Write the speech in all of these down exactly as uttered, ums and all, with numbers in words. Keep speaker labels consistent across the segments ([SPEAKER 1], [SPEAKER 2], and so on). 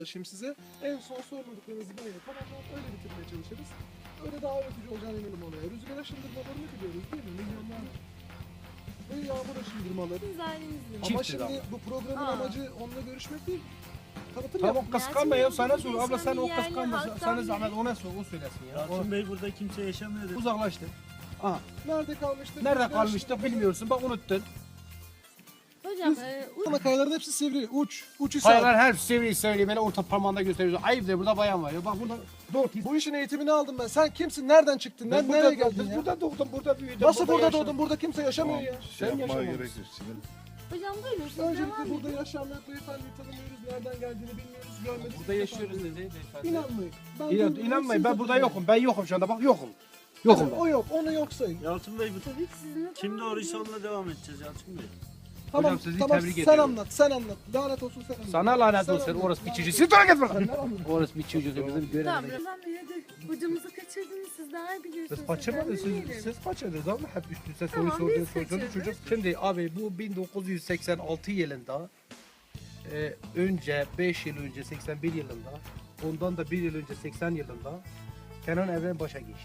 [SPEAKER 1] Şimdi size en son sormadıklarınızı böyle tamamlayıp öyle bitirmeye çalışırız. Öyle daha öğretici olacağını eminim olaya. Rüzgar aşındırmalarını biliyoruz değil mi? Milyonlar ve yağmur aşındırmaları.
[SPEAKER 2] Biz ailemizle.
[SPEAKER 1] Ama
[SPEAKER 3] Çift
[SPEAKER 1] şimdi
[SPEAKER 3] ama.
[SPEAKER 1] bu programın
[SPEAKER 2] Aa.
[SPEAKER 1] amacı onunla görüşmek değil. Tanıtım
[SPEAKER 3] Tamam
[SPEAKER 1] yapmak.
[SPEAKER 3] kıskanma ya sana
[SPEAKER 2] Yalçın
[SPEAKER 3] sor.
[SPEAKER 2] Bey,
[SPEAKER 3] Abla sen o
[SPEAKER 2] yerli
[SPEAKER 3] kıskanma.
[SPEAKER 2] halktan
[SPEAKER 3] Sana
[SPEAKER 2] biri.
[SPEAKER 3] zahmet ona sor. O söylesin ya. O
[SPEAKER 4] Yalçın Bey burada kimse yaşamıyor dedi.
[SPEAKER 3] uzaklaştı. Aha.
[SPEAKER 1] Nerede kalmıştık?
[SPEAKER 3] Nerede
[SPEAKER 1] Rüzgar
[SPEAKER 3] kalmıştık
[SPEAKER 1] aşındırmaları.
[SPEAKER 3] bilmiyorsun. Bak unuttun.
[SPEAKER 2] Hocam,
[SPEAKER 1] Biz-
[SPEAKER 2] e,
[SPEAKER 1] Ama kayaların hepsi sivri. Uç. Uç ise.
[SPEAKER 3] Kayalar her seviyeyi söyleyeyim. Beni orta parmağında gösteriyorsun. Ayıptır burada bayan var ya. Bak burada doğru.
[SPEAKER 1] Bu işin eğitimini aldım ben. Sen kimsin? Nereden çıktın?
[SPEAKER 3] Ben
[SPEAKER 1] Ben
[SPEAKER 3] burada
[SPEAKER 1] nereye
[SPEAKER 3] doğdum.
[SPEAKER 1] geldin
[SPEAKER 3] Biz
[SPEAKER 1] ya?
[SPEAKER 3] burada doğdum. Burada büyüdüm.
[SPEAKER 1] Nasıl burada
[SPEAKER 3] yaşadım.
[SPEAKER 1] doğdun? Burada kimse yaşamıyor ya.
[SPEAKER 5] Şey
[SPEAKER 3] Sen
[SPEAKER 5] yapmaya
[SPEAKER 3] yaşamamışsın.
[SPEAKER 5] gerek yok. Sinir.
[SPEAKER 2] hocam buyurun siz
[SPEAKER 1] Öncelikle
[SPEAKER 2] devam
[SPEAKER 1] burada
[SPEAKER 2] edin.
[SPEAKER 1] yaşayan beyefendiyi tanımıyoruz. Nereden geldiğini bilmiyoruz. Görmedik.
[SPEAKER 3] Burada yaşıyoruz dedi beyefendi.
[SPEAKER 1] İnanmayın. Ben
[SPEAKER 3] İnan,
[SPEAKER 1] duydum,
[SPEAKER 3] inanmayın
[SPEAKER 1] siz
[SPEAKER 3] ben burada
[SPEAKER 1] de
[SPEAKER 3] yokum. Ben yokum şu anda. Bak yokum. Yokum
[SPEAKER 1] duyun.
[SPEAKER 3] ben.
[SPEAKER 1] O yok. Onu yok sayın.
[SPEAKER 4] Yalçın Bey bu
[SPEAKER 2] Tabii ki sizinle
[SPEAKER 4] kim
[SPEAKER 2] devam
[SPEAKER 4] doğruysa
[SPEAKER 2] edin.
[SPEAKER 4] onunla devam edeceğiz Yalçın Bey.
[SPEAKER 1] Tamam,
[SPEAKER 3] sizi
[SPEAKER 1] tamam.
[SPEAKER 3] tebrik
[SPEAKER 1] Sen
[SPEAKER 3] ediyorum.
[SPEAKER 1] anlat, sen anlat. Lanet olsun sen anlat.
[SPEAKER 3] Sana lanet
[SPEAKER 1] Sen
[SPEAKER 3] olsun.
[SPEAKER 1] anlat,
[SPEAKER 3] Orası bir
[SPEAKER 1] lanet
[SPEAKER 3] çocuğu.
[SPEAKER 1] olsun.
[SPEAKER 3] Siz durun git bakalım.
[SPEAKER 1] Sen anlat.
[SPEAKER 3] Orası bir çocuğu. Bizim
[SPEAKER 2] Tamam,
[SPEAKER 3] göremedik.
[SPEAKER 2] Ramazan Bey hadi. Hocamızı kaçırdınız siz daha iyi biliyorsunuz.
[SPEAKER 3] Siz kaçırmadınız,
[SPEAKER 2] Sizden
[SPEAKER 3] siz,
[SPEAKER 2] dinleyelim.
[SPEAKER 3] siz kaçırdınız ama hep üst üste soru
[SPEAKER 2] Tamam,
[SPEAKER 3] sorduğunuz
[SPEAKER 2] biz
[SPEAKER 3] soru
[SPEAKER 2] kaçırdık.
[SPEAKER 3] çocuk. Şimdi abi bu bin dokuz yüz seksen altı yılında e, önce beş yıl önce seksen bir yılında ondan da bir yıl önce seksen yılında Kenan Evren başa geçti.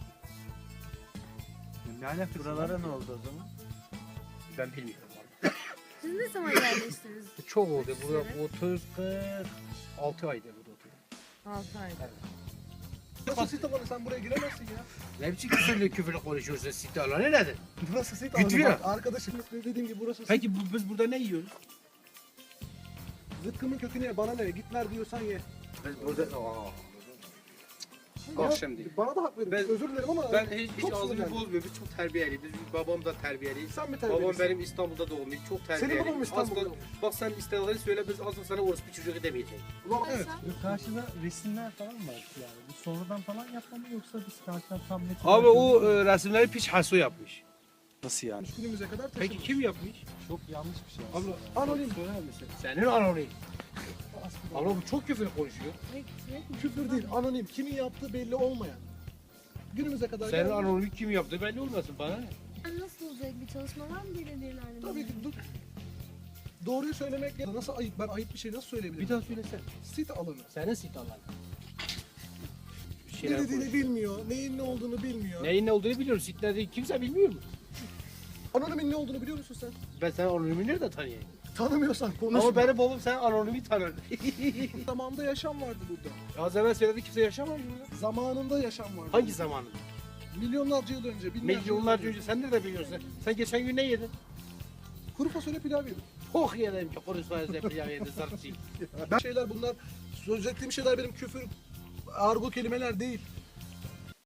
[SPEAKER 3] Ne alakası
[SPEAKER 4] Buralara
[SPEAKER 3] var?
[SPEAKER 4] ne oldu o zaman?
[SPEAKER 3] Ben bilmiyorum abi.
[SPEAKER 2] Siz ne zaman yerleştiniz?
[SPEAKER 3] Çok oldu.
[SPEAKER 2] Kaç
[SPEAKER 3] Burada
[SPEAKER 2] sene?
[SPEAKER 3] otuz kırk altı aydır burada oturuyorum.
[SPEAKER 2] altı ayda.
[SPEAKER 1] Nasıl sit alanı sen buraya giremezsin ya.
[SPEAKER 3] Ne biçim küfürlü küfürlü konuşuyorsun? Site alanı nedir?
[SPEAKER 1] Burası sit
[SPEAKER 3] Git
[SPEAKER 1] alanı.
[SPEAKER 3] ya.
[SPEAKER 1] Bak, arkadaşım dediğim gibi burası sit.
[SPEAKER 3] Peki bu, biz burada ne yiyoruz?
[SPEAKER 1] Zıkkımın kökünü ye. Bana ne? Git ver diyorsan ye.
[SPEAKER 3] Biz burada... Aa.
[SPEAKER 1] Ya,
[SPEAKER 3] Bak şimdi.
[SPEAKER 1] Bana da hak verin.
[SPEAKER 3] Ben-
[SPEAKER 1] Özür dilerim ama
[SPEAKER 3] Ben hiç, hiç
[SPEAKER 1] çok
[SPEAKER 3] ağzımı
[SPEAKER 1] sinirlendim.
[SPEAKER 3] bozmuyor. Biz çok terbiyeliyiz. Biz, babam da terbiyeli.
[SPEAKER 1] Sen mi
[SPEAKER 3] Babam
[SPEAKER 1] terbiyelisin?
[SPEAKER 3] benim İstanbul'da doğmuş. Çok terbiyeli.
[SPEAKER 1] Senin babam İstanbul'da
[SPEAKER 3] Asla-
[SPEAKER 1] doğmuş.
[SPEAKER 3] Bak sen İstanbul'u söyle biz asla sana orası bir çocuk demeyeceğiz.
[SPEAKER 1] Ulan evet.
[SPEAKER 4] Karşıda resimler falan var yani. Bu sonradan falan yapma mı yoksa biz karşıdan tam net
[SPEAKER 3] Abi o e, resimleri Piç Haso yapmış.
[SPEAKER 4] nasıl yani?
[SPEAKER 1] Günümüze kadar taşımış.
[SPEAKER 3] Peki kim yapmış?
[SPEAKER 4] Çok yanlış bir şey.
[SPEAKER 3] Abla
[SPEAKER 1] Anonim.
[SPEAKER 3] söyler misin? Senin anonim. Abla bu çok küfür konuşuyor.
[SPEAKER 2] Ne- ne-
[SPEAKER 1] Küfür değil, anonim. Kimin yaptığı belli olmayan. Günümüze kadar
[SPEAKER 3] Senin
[SPEAKER 1] geldi.
[SPEAKER 3] anonimi kim yaptı belli olmasın bana ne?
[SPEAKER 2] Nasıl olacak bir çalışma var mı belediyelerde?
[SPEAKER 1] Tabii ki dur. Doğruyu söylemek ya nasıl ayıp? Ben ayıp bir şey nasıl söyleyebilirim?
[SPEAKER 3] Bir daha söylesene.
[SPEAKER 1] Sit alanı.
[SPEAKER 3] Senin sit alanı. Bir
[SPEAKER 1] Ne
[SPEAKER 3] şeyler
[SPEAKER 1] dediğini
[SPEAKER 3] konuş.
[SPEAKER 1] bilmiyor, neyin ne olduğunu bilmiyor.
[SPEAKER 3] Neyin ne olduğunu biliyorum. Sit ne değil kimse bilmiyor mu?
[SPEAKER 1] Anonimin ne olduğunu biliyor musun sen?
[SPEAKER 3] Ben senin anonimi nerede tanıyayım?
[SPEAKER 1] Tanımıyorsan konuşma.
[SPEAKER 3] Ama benim babam sen anonimi tanır.
[SPEAKER 1] Zamanında yaşam vardı burada.
[SPEAKER 3] Az evvel söyledi kimse yaşamıyor burada.
[SPEAKER 1] Zamanında yaşam vardı.
[SPEAKER 3] Hangi zamanında?
[SPEAKER 1] Milyonlarca yıl önce, binlerce
[SPEAKER 3] Milyonlarca
[SPEAKER 1] yıl
[SPEAKER 3] önce sen nerede biliyorsun? Sen geçen gün ne yedin?
[SPEAKER 1] Kuru fasulye pilav yedim.
[SPEAKER 3] Çok yedim ki kuru fasulye pilav yedin zarfçı.
[SPEAKER 1] Ben şeyler bunlar, söz ettiğim şeyler benim küfür, argo kelimeler değil.